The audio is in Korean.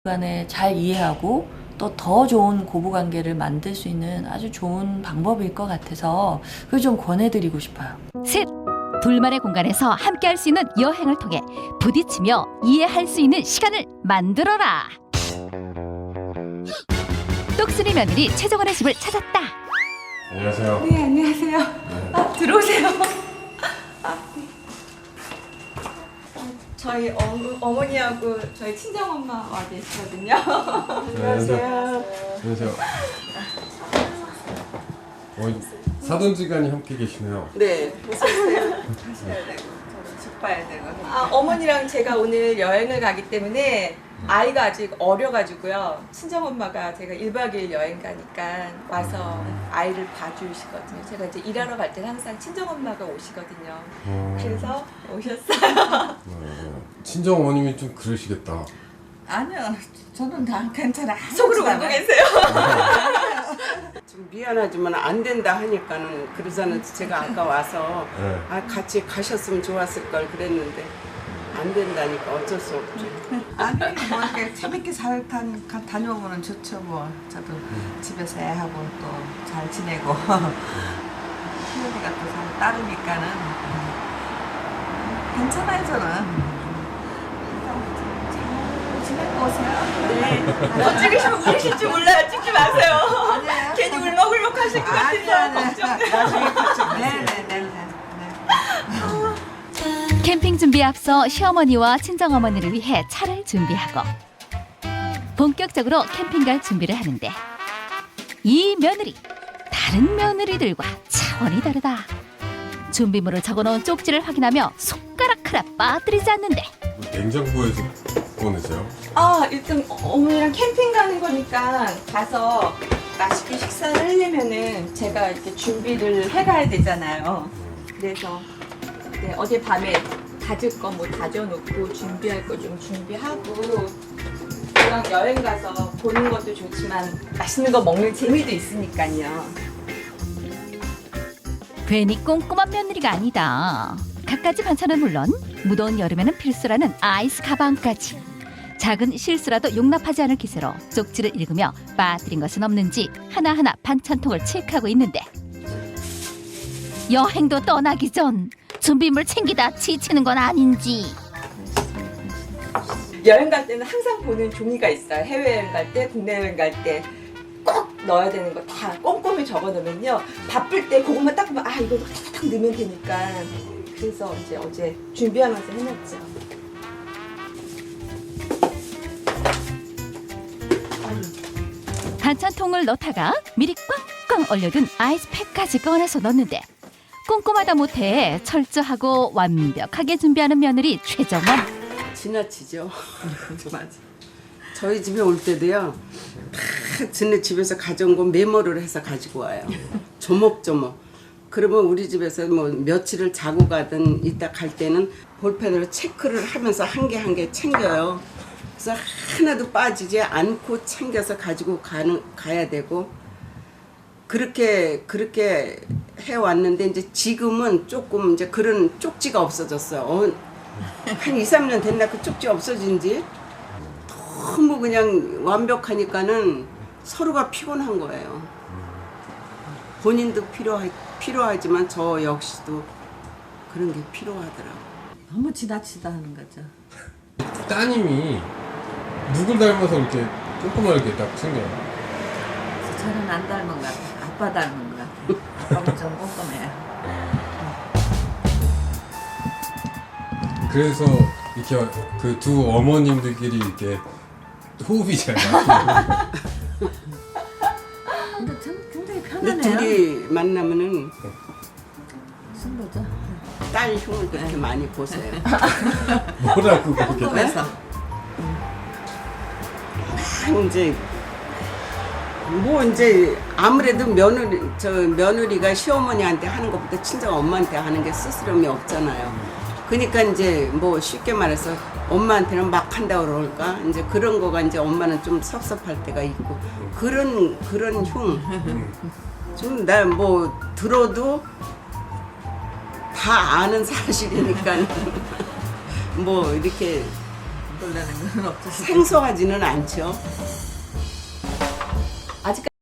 간에 잘 이해하고 또 더 좋은 고부관계를 만들 수 있는 아주 좋은 방법일 것 같아서 그걸 좀 권해드리고 싶어요. 셋, 둘만의 공간에서 함께할 수 있는 여행을 통해 부딪히며 이해할 수 있는 시간을 만들어라. 똑순이 며느리 최정원의 집을 찾았다. 안녕하세요. 네, 안녕하세요. 아, 들어오세요. 저희 어머니하고 저희 친정엄마 와 계시거든요. 안녕하세요. 안녕하세요. 사돈지간이 함께 계시네요. 네, 보셨어요? 하셔야 되고, 저도 집 봐야 되고. 아, 어머니랑 제가 오늘 여행을 가기 때문에 아이가 아직 어려가지고요. 친정엄마가 제가 1박 2일 여행 가니까 와서 아이를 봐주시거든요. 제가 이제 일하러 갈 때는 항상 친정엄마가 오시거든요. 그래서 오셨어요. 친정 어머님이 좀 그러시겠다. 아니요, 저는 다 괜찮아. 속으로 울고 계세요. 좀 미안하지만 안 된다 하니까는 그러자는 제가 아까 와서 네. 아, 같이 가셨으면 좋았을 걸 그랬는데 안 된다니까 어쩔 수 없죠. 아니 뭐 이렇게 재밌게 잘 다녀오면 좋죠 뭐. 저도 집에서 애하고 또 잘 지내고 희연이가 또 잘 따르니까는 괜찮아요 저는. 잘 지내고 오세요. 네. 더 찍으시면 울으실 줄 몰라요. 찍지 마세요. 아니에요. 괜히 울먹울먹 하실 것 같아서 걱정돼요. 나중에 같이. 네네네. 캠핑 준비에 앞서 시어머니와 친정어머니를 위해 차를 준비하고 본격적으로 캠핑 갈 준비를 하는데 이 며느리, 다른 며느리들과 차원이 다르다. 준비물을 적어놓은 쪽지를 확인하며 손가락 하나 빠뜨리지 않는데 냉장고에서 꺼내세요? 아, 일단 어머니랑 캠핑 가는 거니까 가서 맛있게 식사를 하려면은 제가 이렇게 준비를 해가야 되잖아요. 그래서 네, 어젯밤에 다질 거 뭐 다져놓고 준비할 거 좀 준비하고 그냥 여행 가서 보는 것도 좋지만 맛있는 거 먹는 재미도 있으니까요. 괜히 꼼꼼한 며느리가 아니다. 갖가지 반찬은 물론 무더운 여름에는 필수라는 아이스 가방까지. 작은 실수라도 용납하지 않을 기세로 쪽지를 읽으며 빠뜨린 것은 없는지 하나하나 반찬통을 체크하고 있는데 여행도 떠나기 전 준비물 챙기다 지치는 건 아닌지. 여행 갈 때는 항상 보는 종이가 있어요. 해외여행 갈 때, 국내 여행 갈 때 꼭 넣어야 되는 거 다 꼼꼼히 적어놓으면요. 바쁠 때 그것만 딱 보면 아 이거 탁탁 넣으면 되니까. 그래서 이제 어제 준비하면서 해놨죠. 반찬통을 넣다가 미리 꽝꽝 얼려둔 아이스팩까지 꺼내서 넣는데 꼼꼼하다 못해 철저하고 완벽하게 준비하는 며느리 최정원. 지나치죠. 맞아. 저희 집에 올 때도요. 다 지네 집에서 가져온 거 메모를 해서 가지고 와요. 조목조목. 그러면 우리 집에서 뭐 며칠을 자고 가든 이따 갈 때는 볼펜으로 체크를 하면서 한 개 한 개 챙겨요. 그래서 하나도 빠지지 않고 챙겨서 가지고 가야 되고 그렇게 해왔는데 이제 지금은 조금 이제 그런 쪽지가 없어졌어요. 한 2, 3년 됐나 그 쪽지 없어진 지 너무 그냥 완벽하니까는 서로가 피곤한 거예요. 본인도 필요하지만 저 역시도 그런 게 필요하더라고요. 너무 지나치다 하는 거죠. 따님이 누굴 닮아서 이렇게 꼼꼼하게 딱 챙겨요? 저는 안 닮은 것 같아요. 아빠 닮은 것 같아요. 아빠가 좀 꼼꼼해요. 그래서 이렇게 그 두 어머님들끼리 이렇게 호흡이 잘 맞고 근데 참 굉장히 근데 편하네요. 둘이 만나면은 무슨 거죠? 딸 흉을 그렇게 많이 보세요. 뭐라고 그렇게 꼼꼼해서. 이제 뭐 이제 아무래도 며느리가 시어머니한테 하는 것보다 친정 엄마한테 하는 게 스스럼이 없잖아요. 그러니까 이제 뭐 쉽게 말해서 엄마한테는 막 한다고 그럴까 이제 그런 거가 이제 엄마는 좀 섭섭할 때가 있고 그런 흉 좀 나 뭐 들어도 다 아는 사실이니까 뭐 이렇게 놀라는 건 없으시죠? 생소하지는 않죠. 아직